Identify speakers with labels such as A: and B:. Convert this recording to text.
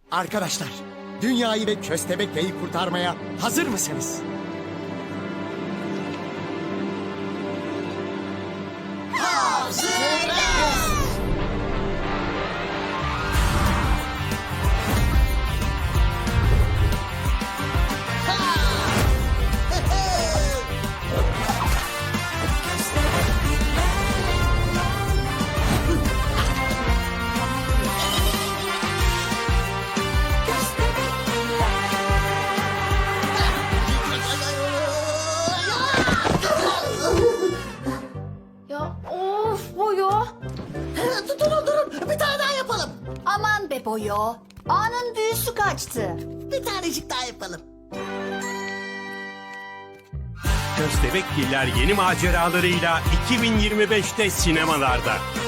A: Arkadaşlar, dünyayı ve Köstebekli'yi kurtarmaya hazır mısınız?
B: Ya of Boyo.
C: Durun bir tane daha yapalım.
B: Aman be Boyo. Anın büyüsü kaçtı.
C: Bir tanecik daha yapalım.
D: Köstebekgiller yeni maceralarıyla 2025'te sinemalarda.